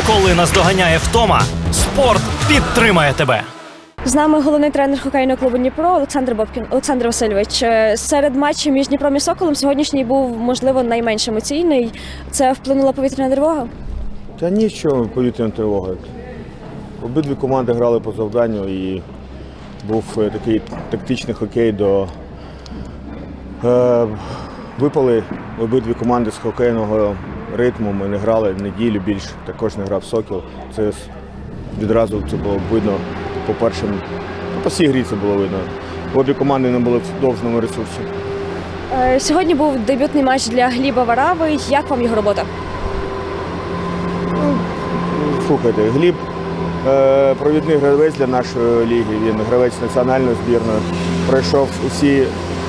Коли наздоганяє втома, спорт підтримає тебе. З нами головний тренер хокейного клубу «Дніпро» Олександр Бобкін. Олександр Васильович, серед матчів між Дніпром і Соколом сьогоднішній був, можливо, найменш емоційний. Це вплинула повітряна тривога? Та нічого, повітряна тривога. Обидві команди грали по завданню і був такий тактичний хокей випали обидві команди з хокейного ритму. Ми не грали неділю більше, також не грав Сокіл. Це відразу це було видно по всій грі це було видно. Обі команди не були в довжному ресурсі. Сьогодні був дебютний матч для Гліба Варави. Як вам його робота? Слухайте, Гліб провідний гравець для нашої ліги. Він гравець національної збірної. Пройшов усі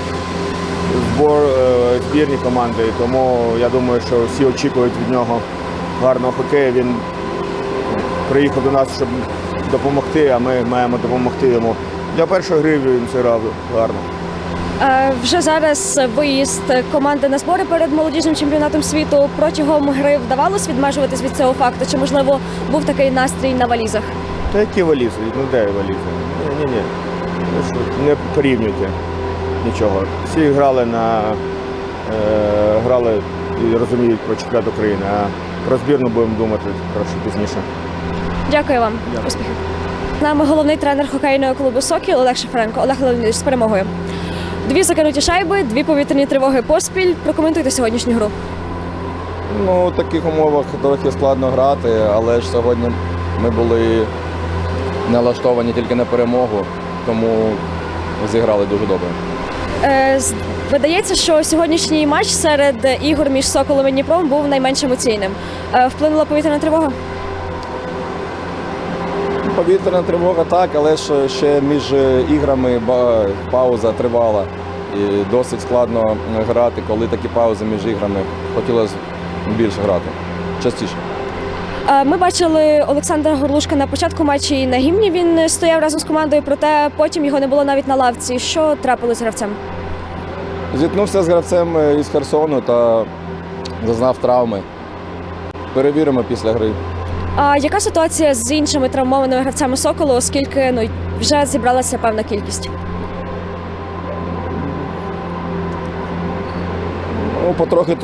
збірні команди, тому я думаю, що всі очікують від нього гарного хокею. Він приїхав до нас, щоб допомогти, а ми маємо допомогти йому. Для першої гри він зіграв гарно. Вже зараз виїзд команди на збори перед молодіжним чемпіонатом світу. Протягом гри вдавалось відмежуватись від цього факту? Чи, можливо, був такий настрій на валізах? Та які валізи? Ну де валізи? Ні. Не порівнюйте нічого. Всі грали і розуміють про чемпіонат України, а про збірну будемо думати трошки пізніше. Дякую вам. Успіхів. З нами головний тренер хокейного клубу «Сокіл» Олег Шафренко. Олег Леонідович, з перемогою. 2 закинуті шайби, 2 повітряні тривоги поспіль. Прокоментуйте сьогоднішню гру. Ну, в таких умовах трохи складно грати, але ж сьогодні ми були налаштовані тільки на перемогу, тому зіграли дуже добре. Видається, що сьогоднішній матч серед ігор між «Соколом» і «Дніпром» був найменш емоційним. Вплинула повітряна тривога? Повітряна тривога так, але ж ще між іграми пауза тривала. І досить складно грати, коли такі паузи між іграми. Хотілося більше грати, частіше. Ми бачили Олександра Горлушка на початку матчу і на гімні. Він стояв разом з командою, проте потім його не було навіть на лавці. Що трапилось з гравцем? Зіткнувся з гравцем із Херсону та зазнав травми. Перевіримо після гри. А яка ситуація з іншими травмованими гравцями «Соколу», оскільки вже зібралася певна кількість? Ну, потрохи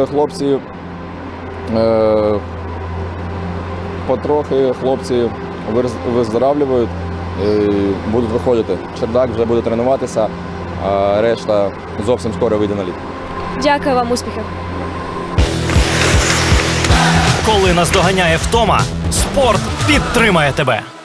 хлопці виздоравлюють і будуть виходити. Чердак вже буде тренуватися, а решта зовсім скоро вийде на лід. Дякую вам, успіхів. Коли наздоганяє втома, спорт підтримає тебе.